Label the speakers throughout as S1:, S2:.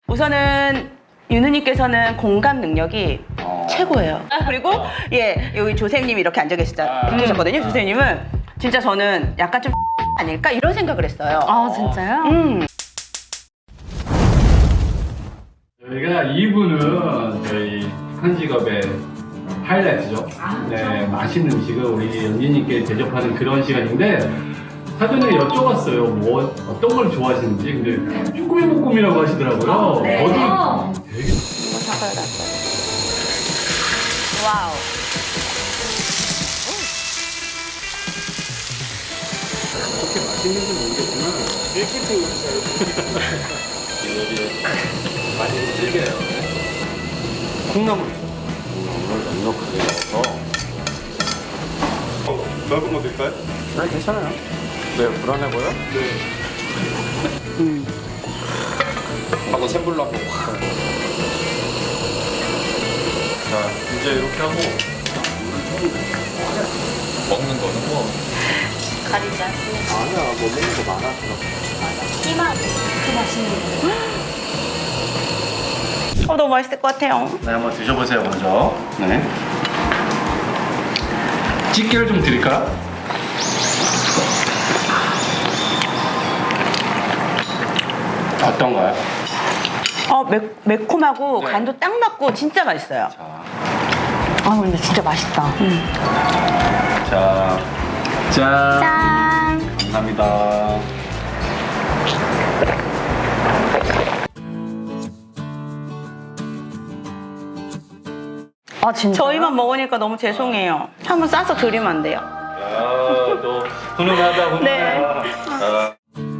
S1: 우선은 윤우님께서는 공감 능력이 최고예요. 그리고 예 여기 조셉님이 이렇게 앉아 계셨거든요. 조셉님은 진짜 저는 약간 좀 아닐까 이런 생각을 했어요.
S2: 아 진짜요?
S3: 저희가 2부는 저희 한 직업의 하이라이트죠. 네, 맛있는 음식을 우리 연진님께 대접하는 그런 시간인데 사전에 여쭤봤어요. 뭐 어떤 걸 좋아하시는지. 근데 쭈꾸미 볶음이라고 하시더라고요.
S1: 네.
S3: 저도 되게
S1: 와우.
S3: 그렇게 맛있는 줄 모르겠지만 밀키트 많이 즐겨요. 콩나물 넉넉하게 넣어서
S4: 넓은 거 드릴까요?
S3: 네, 괜찮아요. 네, 불안해 보여?
S4: 하고 샘불로 한번 자 이제 이렇게 하고 먹는 거는 뭐
S2: 가리지 않습니다.
S3: 아니야, 뭐 먹는 거 많아.
S2: 희망 그 맛있는 거.
S1: 너무 맛있을 것 같아요.
S3: 네, 한번 드셔보세요, 먼저. 네. 집게를 좀 드릴까? 어떤가요?
S1: 매콤하고
S3: 네.
S1: 간도 딱 맞고 진짜 맛있어요.
S2: 아 근데 진짜 맛있다.
S3: 자, 짠.
S2: 짠.
S3: 감사합니다.
S2: 아 진짜.
S1: 저희만 먹으니까 너무 죄송해요. 한번 싸서 드리면 안 돼요?
S3: 야, 너 훈훈하다, 훈훈해.
S1: 네.
S3: 아.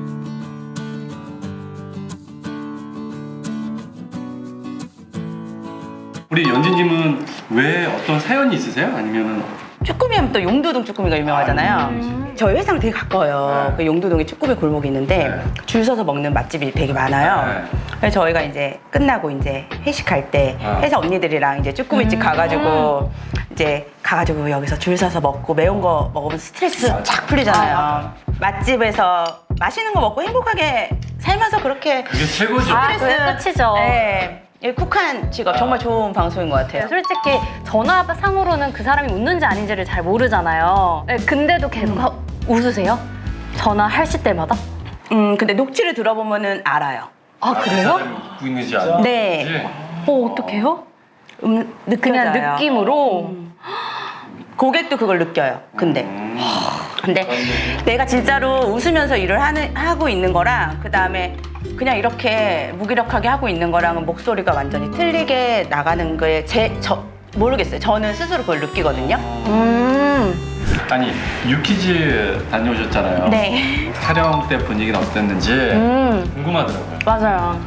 S3: 우리 연진님은 왜 어떤 사연이 있으세요? 아니면은
S1: 쭈꾸미 하면 또 용두동 쭈꾸미가 유명하잖아요. 저희 회사랑 되게 가까워요.
S3: 네.
S1: 그 용두동에 쭈꾸미 골목이 있는데
S3: 네.
S1: 줄 서서 먹는 맛집이 되게 많아요.
S3: 네.
S1: 그래서 저희가 이제 끝나고 이제 회식할 때 회사 언니들이랑 이제 쭈꾸미집 가가지고 이제 가가지고 여기서 줄 서서 먹고 매운 거 먹으면 스트레스 쫙 풀리잖아요. 맛집에서 맛있는 거 먹고 행복하게 살면서 그렇게
S3: 그게 최고죠.
S2: 아, 그게 끝이죠.
S1: 네. 이 쿡한 직업 정말 좋은 방송인 것 같아요.
S2: 솔직히 전화상으로는 그 사람이 웃는지 아닌지를 잘 모르잖아요. 네, 근데도 계속 웃으세요? 전화하실 때마다?
S1: 근데 녹취를 들어보면은 알아요.
S2: 아 그래요?
S3: 웃고 있는지 아닌지.
S1: 네.
S2: 어떡해요? 그냥
S1: 느껴져요.
S2: 느낌으로?
S1: 고객도 그걸 느껴요. 근데 내가 진짜로 웃으면서 일을 하고 있는 거랑 그 다음에 그냥 이렇게 무기력하게 하고 있는 거랑은 목소리가 완전히 틀리게 나가는 거에 모르겠어요. 저는 스스로 그걸 느끼거든요.
S3: 아니, 유키즈 다녀오셨잖아요.
S1: 네.
S3: 촬영 때 분위기는 어땠는지 궁금하더라고요.
S2: 맞아요.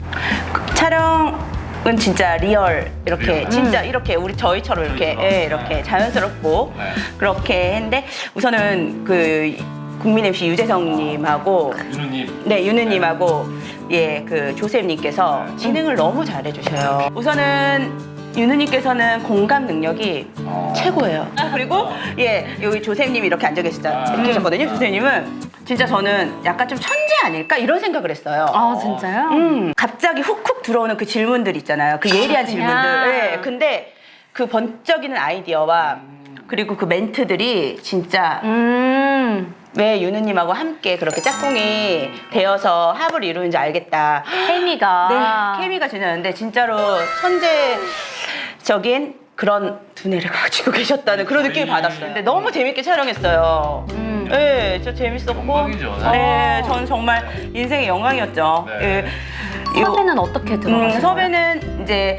S1: 촬영은 진짜 리얼 이렇게 진짜 이렇게 저희처럼 이렇게
S3: 저희처럼.
S1: 이렇게 자연스럽고
S3: 네.
S1: 그렇게 했는데 우선은 그 국민 MC 유재석님하고
S3: 윤우님.
S1: 네, 윤우님하고 그 조셉님께서 진행을 너무 잘해주셔요. 우선은 윤우님께서는 공감 능력이 최고예요. 그리고 여기 조셉님이 이렇게 앉아 계셨거든요. 조셉님은 진짜 저는 약간 좀 천재 아닐까 이런 생각을 했어요.
S2: 아 진짜요?
S1: 갑자기 훅훅 들어오는 그 질문들 있잖아요. 그 예리한 질문들. 네, 근데 그 번쩍이는 아이디어와 그리고 그 멘트들이 진짜 왜 윤우님하고 함께 그렇게 짝꿍이 되어서 합을 이루는지 알겠다.
S2: 케미가.
S1: 네, 케미가 지나는데 진짜로 천재적인 그런 두뇌를 가지고 계셨다는 그런 느낌을 받았어요. 근데 너무 재밌게 촬영했어요. 네, 진짜 재밌었고.
S3: 영광이죠, 사실.
S1: 네, 저는 정말 인생의 영광이었죠.
S3: 네.
S1: 섭외는
S2: 섭외는 어떻게 들어가세요?
S1: 섭외는 이제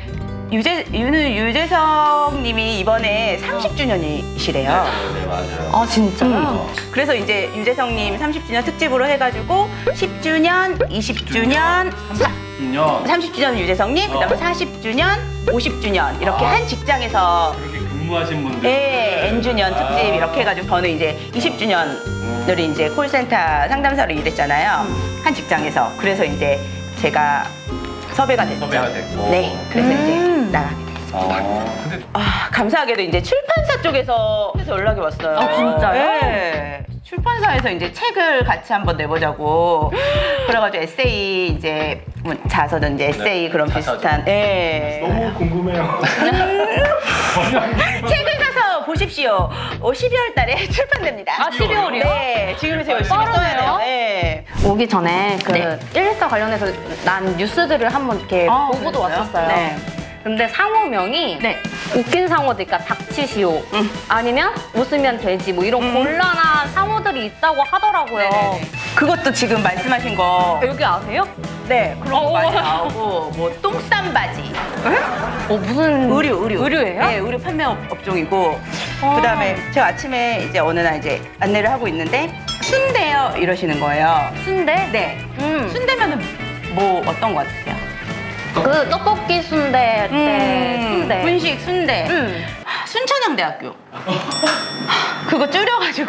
S1: 유재석 님이 이번에 30주년이시래요.
S3: 네, 맞아요.
S2: 아 진짜요?
S1: 그래서 이제 유재석 님 30주년 특집으로 해가지고 10주년, 20주년,
S3: 2년
S1: 30주년 유재석 님, 그다음에 40주년, 50주년 이렇게 한 직장에서
S3: 그렇게 근무하신 분들.
S1: N주년 특집 이렇게 해가지고 저는 이제 20주년을 이제 콜센터 상담사로 일했잖아요. 한 직장에서. 그래서 이제 제가 섭외가 됐죠.
S3: 섭외가 됐고.
S1: 네, 그래서 이제 나가게 됐어요.
S3: 근데
S1: 감사하게도 이제 출판사 쪽에서 연락이 왔어요.
S2: 아, 진짜요?
S1: 네. 출판사에서 이제 책을 같이 한번 내보자고 그래가지고 에세이 이제 뭐 자서든 이제 에세이 그런
S4: 자서전.
S1: 비슷한 예.
S3: 너무 궁금해요.
S1: 책을 사서 보십시오. 12월 달에 출판됩니다.
S2: 아, 12월이요?
S1: 네, 지금부터 열심히 써야
S2: 빠르네요.
S1: 돼요. 네.
S2: 오기 전에 그
S1: 네.
S2: 114 관련해서 난 뉴스들을 한번 이렇게 보고도
S1: 그랬어요?
S2: 왔었어요.
S1: 네.
S2: 근데 상호명이
S1: 네.
S2: 웃긴 상호들, 그러니까 닥치시오, 아니면 웃으면 되지, 뭐 이런 곤란한 상호들이 있다고 하더라고요.
S1: 네네네. 그것도 지금 말씀하신 거.
S2: 여기 아세요?
S1: 네, 그런 거
S2: 어.
S1: 많이 나오고 뭐 똥싼 바지.
S2: 무슨
S1: 네,
S2: 의류예요?
S1: 의류 판매 업종이고. 그다음에 제가 아침에 이제 어느 날 이제 안내를 하고 있는데 순대요 이러시는 거예요.
S2: 순대?
S1: 네. 순대면은 뭐 어떤 거 같으세요?
S2: 그 떡볶이 순대 때 순대.
S1: 분식 순대. 순천향대학교. 그거 줄여가지고.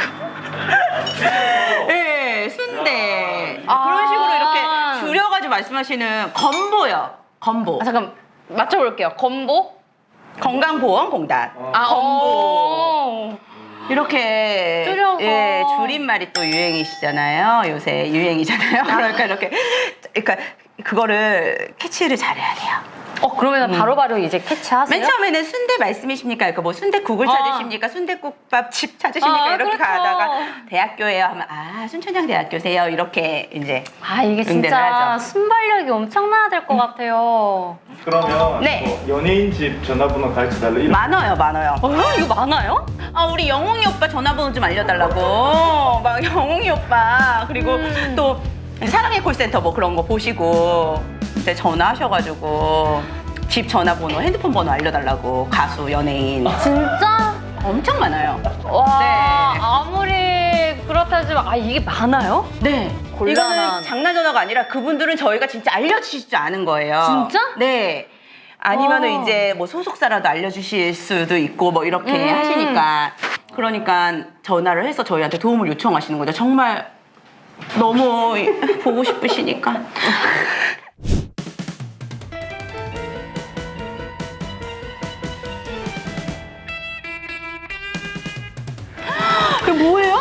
S1: 네, 순대. 그런 식으로 이렇게 줄여가지고 말씀하시는 건보요. 건보.
S2: 아, 잠깐 맞춰볼게요. 건보?
S1: 건강보험공단. 건보. 이렇게
S2: 줄여서.
S1: 예, 줄임말이 또 유행이시잖아요. 요새 유행이잖아요. 그러니까 이렇게 그러니까 그거를 캐치를 잘해야 돼요.
S2: 그러면 바로바로 이제 캐치하세요?
S1: 맨 처음에는 순대 말씀이십니까? 그러니까 뭐 순대국을 찾으십니까? 순대국밥집 찾으십니까?
S2: 아,
S1: 이렇게
S2: 그렇죠.
S1: 가다가 대학교예요 하면 순천향대학교세요. 이렇게 이제
S2: 이게
S1: 응대를
S2: 진짜
S1: 하죠.
S2: 순발력이 엄청나야 될 것 같아요.
S5: 그러면
S1: 네.
S5: 뭐 연예인 집 전화번호 가르쳐 달라 이런
S1: 많아요.
S2: 이거 많아요?
S1: 우리 영웅이 오빠 전화번호 좀 알려달라고. 막 영웅이 오빠 그리고 또 사랑의 콜센터 뭐 그런 거 보시고 이제 전화하셔가지고 집 전화번호, 핸드폰 번호 알려달라고 가수, 연예인
S2: 진짜?
S1: 엄청 많아요.
S2: 와,
S1: 네.
S2: 아무리 그렇다지만 이게 많아요?
S1: 네.
S2: 곤란한.
S1: 이거는 장난 전화가 아니라 그분들은 저희가 진짜 알려주시지 않은 거예요.
S2: 진짜?
S1: 네. 아니면은
S2: 와.
S1: 이제 뭐 소속사라도 알려주실 수도 있고 뭐 이렇게 하시니까 그러니까 전화를 해서 저희한테 도움을 요청하시는 거죠. 정말 너무 보고 싶으시니까. 그게 뭐예요?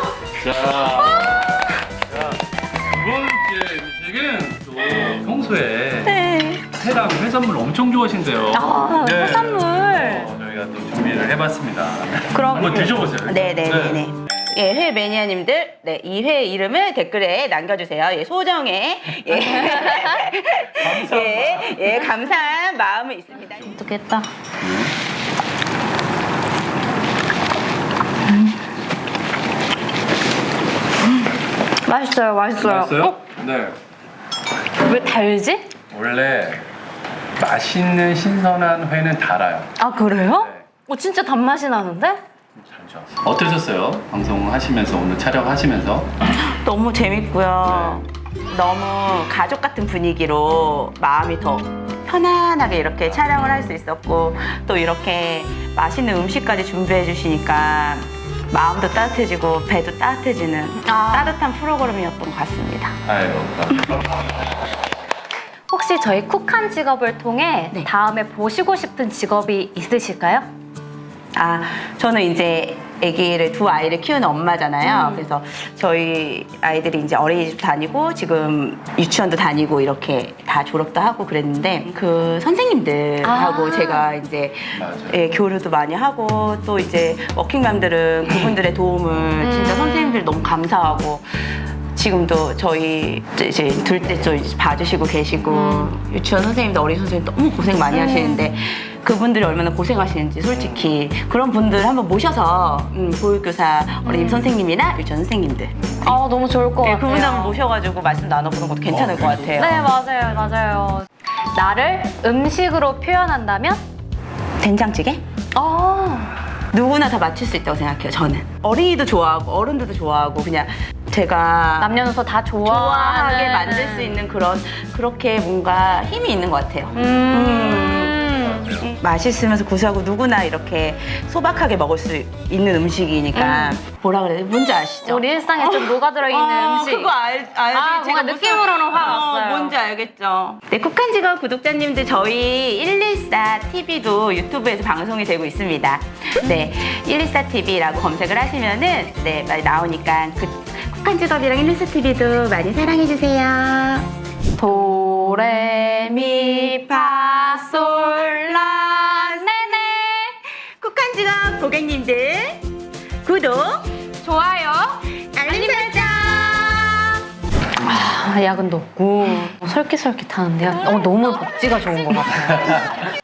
S3: 두 번째 음식은 또 평소에
S1: 네.
S3: 회랑 해산물 엄청 좋아하신대요.
S2: 해산물.
S3: 저희가 또 준비를 해봤습니다.
S2: 그럼
S3: 한번 드셔보세요.
S1: 네네네네. 예, 회 매니아님들, 네, 이 회 이름을 댓글에 남겨주세요. 예, 소정의, 감사한 마음이 있습니다.
S2: 어떻겠다. 맛있어요.
S3: 맛있어요? 네.
S2: 왜 달지?
S3: 원래 맛있는 신선한 회는 달아요.
S2: 아, 그래요?
S3: 네.
S2: 진짜 단맛이 나는데?
S3: 어떠셨어요? 방송 하시면서 오늘 촬영하시면서?
S1: 너무 재밌고요. 너무 가족 같은 분위기로 마음이 더 편안하게 이렇게 촬영을 할 수 있었고 또 이렇게 맛있는 음식까지 준비해 주시니까 마음도 따뜻해지고 배도 따뜻해지는 따뜻한 프로그램이었던 것 같습니다.
S3: 아유.
S2: 혹시 저희 쿡한 직업을 통해
S1: 네.
S2: 다음에 보시고 싶은 직업이 있으실까요?
S1: 저는 이제 두 아이를 키우는 엄마잖아요. 그래서 저희 아이들이 이제 어린이집 다니고 지금 유치원도 다니고 이렇게 다 졸업도 하고 그랬는데 그 선생님들하고 제가 이제
S3: 맞아요.
S1: 교류도 많이 하고 또 이제 워킹맘들은 그분들의 도움을 진짜 선생님들 너무 감사하고 지금도 저희 이제 둘째 쪽 이제 봐주시고 계시고 유치원 선생님도 어린 선생님 너무 고생 많이 하시는데 그분들이 얼마나 고생하시는지 솔직히 그런 분들 한번 모셔서 보육교사 어린이 선생님이나 유치원 선생님들
S2: 너무 좋을 것 같아요.
S1: 그분들 한번 모셔가지고 말씀 나눠보는 것도 괜찮을 것 같아요.
S2: 네, 맞아요. 나를 음식으로 표현한다면?
S1: 된장찌개? 누구나 다 맞출 수 있다고 생각해요. 저는 어린이도 좋아하고 어른들도 좋아하고 그냥 제가
S2: 남녀노소 다
S1: 좋아하게 만들 수 있는 그렇게 뭔가 힘이 있는 것 같아요. 맛있으면서 구수하고 누구나 이렇게 소박하게 먹을 수 있는 음식이니까 뭐라 그래야 돼? 뭔지 아시죠?
S2: 우리 일상에 좀 녹아들어 있는 음식.
S1: 그거 알지?
S2: 아, 뭔가 느낌으로는 확 왔어요.
S1: 뭔지 알겠죠? 네, 쿡한직업 구독자님들 저희 114TV도 유튜브에서 방송이 되고 있습니다. 네, 114TV라고 검색을 하시면은 네, 많이 나오니까 쿡한직업이랑 114TV도 많이 사랑해주세요.
S2: 도레미파솔라 네네.
S1: 쿡한직업 고객님들 구독,
S2: 좋아요.
S1: 알림 설정.
S2: 야근도 없고 솔깃솔깃하는데요. 너무 복지가 좋은 것 같아요.